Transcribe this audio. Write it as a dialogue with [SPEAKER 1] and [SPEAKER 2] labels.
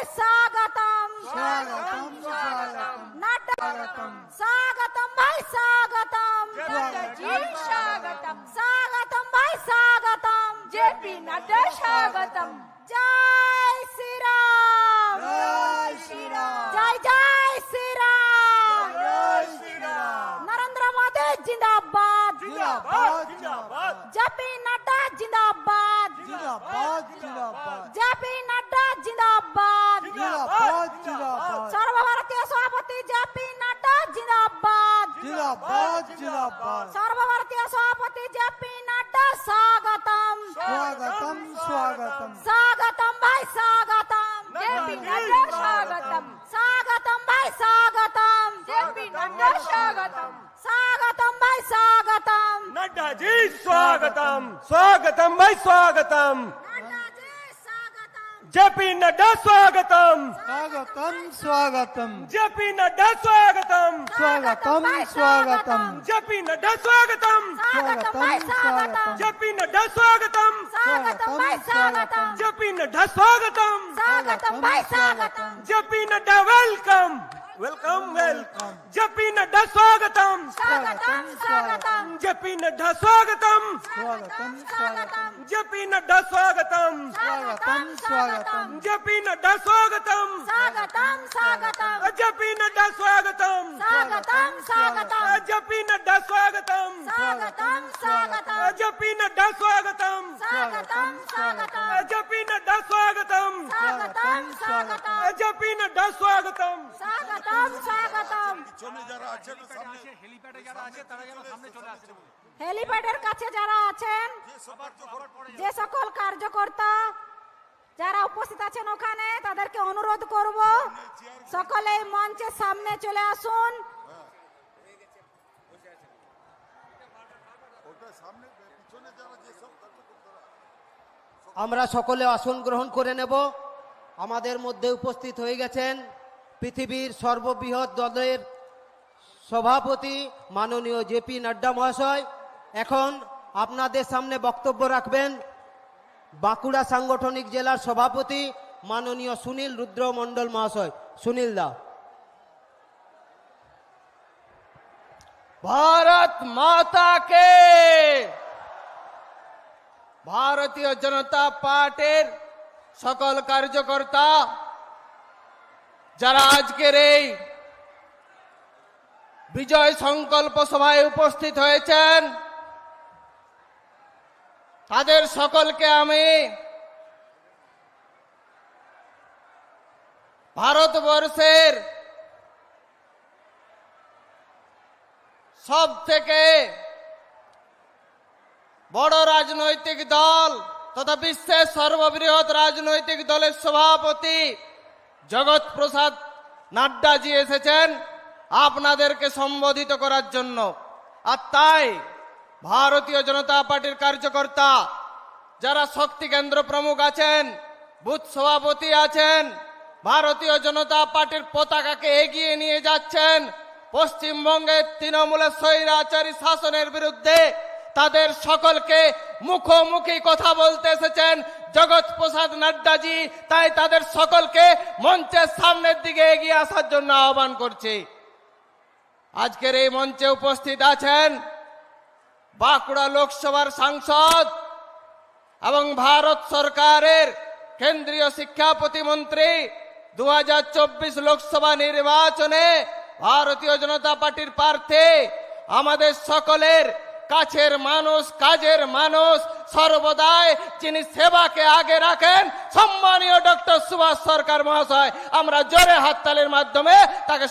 [SPEAKER 1] स्वागतम
[SPEAKER 2] स्वागतम स्वागतम
[SPEAKER 1] नड्डा
[SPEAKER 2] स्वागतम
[SPEAKER 1] स्वागतम भाई स्वागतम
[SPEAKER 3] नड्डा जी स्वागतम
[SPEAKER 1] स्वागतम भाई स्वागतम
[SPEAKER 3] जेपी नड्डा स्वागतम
[SPEAKER 1] जय श्री राम
[SPEAKER 2] जय श्री राम
[SPEAKER 1] जय जय श्री राम
[SPEAKER 2] जय श्री राम
[SPEAKER 1] नरेंद्र मोदी जिंदाबाद
[SPEAKER 2] जिंदाबाद जिंदाबाद
[SPEAKER 1] जेपी नड्डा जिंदाबाद
[SPEAKER 2] जिंदाबाद जिंदाबाद
[SPEAKER 1] जेपी नड्डा जिंदाबाद
[SPEAKER 2] जिंदाबाद जिंदाबाद
[SPEAKER 1] सर्वभारतीय सभापति जेपी नड्डा जिंदाबाद
[SPEAKER 2] जिंदाबाद जिंदाबाद
[SPEAKER 1] सर्वभारतीय सभापति जेपी नड्डा स्वागतम
[SPEAKER 2] स्वागतम स्वागतम
[SPEAKER 1] स्वागतम भाई स्वागतम
[SPEAKER 3] जेपी नड्डा स्वागतम
[SPEAKER 1] स्वागतम भाई स्वागतम
[SPEAKER 3] जेपी नड्डा स्वागतम
[SPEAKER 1] स्वागतम भाई स्वागतम
[SPEAKER 4] नड्डा जी स्वागतम स्वागतम भाई स्वागतम
[SPEAKER 1] नड्डा जी स्वागतम
[SPEAKER 4] जेपी नड्डा स्वागतम
[SPEAKER 2] स्वागतम स्वागतम
[SPEAKER 4] जेपी नड्डा स्वागतम
[SPEAKER 2] स्वागतम स्वागतम
[SPEAKER 4] जेपी नड्डा स्वागतम
[SPEAKER 1] स्वागतम भाई स्वागतम
[SPEAKER 4] जेपी नड्डा स्वागतम
[SPEAKER 1] स्वागतम भाई स्वागतम
[SPEAKER 4] जेपी नड्डा स्वागतम
[SPEAKER 1] स्वागतम भाई स्वागतम
[SPEAKER 4] JP Nadda welcome welcome welcome JP Nadda स्वागतम
[SPEAKER 1] स्वागतम स्वागतम
[SPEAKER 4] जेपी नड्डा स्वागतम
[SPEAKER 2] स्वागतम स्वागतम
[SPEAKER 4] जेपी नड्डा स्वागतम
[SPEAKER 2] स्वागतम स्वागतम
[SPEAKER 4] जेपी नड्डा स्वागतम
[SPEAKER 1] स्वागतम स्वागतम
[SPEAKER 4] जेपी नड्डा स्वागतम
[SPEAKER 1] स्वागतम स्वागतम
[SPEAKER 4] जेपी नड्डा स्वागतम
[SPEAKER 1] स्वागतम स्वागतम
[SPEAKER 4] जेपी नड्डा स्वागतम
[SPEAKER 1] स्वागतम स्वागतम
[SPEAKER 4] जेपी नड्डा स्वागतम
[SPEAKER 1] स्वागतम स्वागतम
[SPEAKER 4] जेपी नड्डा स्वागतम
[SPEAKER 1] स्वागतम स्वागतम হেলিপ্যাডের কাছে যারা আছেন যে সকল কার্যকর্তা যারা উপস্থিত আছেন ওখানে তাদেরকে অনুরোধ করব সকলে এই মঞ্চের সামনে চলে আসুন।
[SPEAKER 5] আমরা সকলে আসন গ্রহণ করে নেব। আমাদের মধ্যে উপস্থিত হয়ে গেছেন পৃথিবীর সর্ববৃহৎ দলের সভাপতি মাননীয় জেপি নাড্ডা মহাশয়। এখন আপনাদের সামনে বক্তব্য রাখবেন বাঁকুড়া সাংগঠনিক জেলার সভাপতি মাননীয় সুনীল রুদ্র মণ্ডল মহাশয়। সুনীল দা।
[SPEAKER 6] भारत माता के ভারতীয় জনতা পার্টির সকল কার্যকর্তা যারা আজকের এই বিজয় সংকল্প সভায় উপস্থিত হয়েছেন তাদের সকলকে আমি ভারতবর্ষের সব থেকে বড় রাজনৈতিক দল তথা বিশ্বের সর্ববৃহৎ রাজনৈতিক দলের সভাপতি জগৎ প্রসাদ নাড্ডাজি এসেছেন আপনাদেরকে সম্বোধিত করার জন্য। আর তাই ভারতীয় জনতা পার্টির কার্যকর্তা যারা শক্তি কেন্দ্র প্রমুখ আছেন, বুথ সভাপতি আছেন, ভারতীয় জনতা পার্টির পতাকাকে এগিয়ে নিয়ে যাচ্ছেন পশ্চিমবঙ্গের তৃণমূলের স্বৈরাচারী শাসনের বিরুদ্ধে, তাদের সকলকে মুখোমুখি কথা বলতে এসেছেন জগৎ প্রসাদ নাড্ডাজি। তাই তাদের সকলকে মঞ্চের সামনের দিকে এগিয়ে আসার জন্য আহ্বান করছি। আজকের এই মঞ্চে উপস্থিত আছেন বাঁকুড়া লোকসভার সাংসদ এবং ভারত সরকারের কেন্দ্রীয় শিক্ষা প্রতিমন্ত্রী। 2024 লোকসভা নির্বাচনে ভারতীয় জনতা পার্টির প্রার্থী, আমাদের সকলের কাছের মানুষ, কাজের মানুষ, সর্বদাই যিনি সেবাকে আগে রাখেন, সম্মানীয় ডক্টর সুভাষ সরকার মহাশয়। আমরা জোরে হাততালির মাধ্যমে তাকে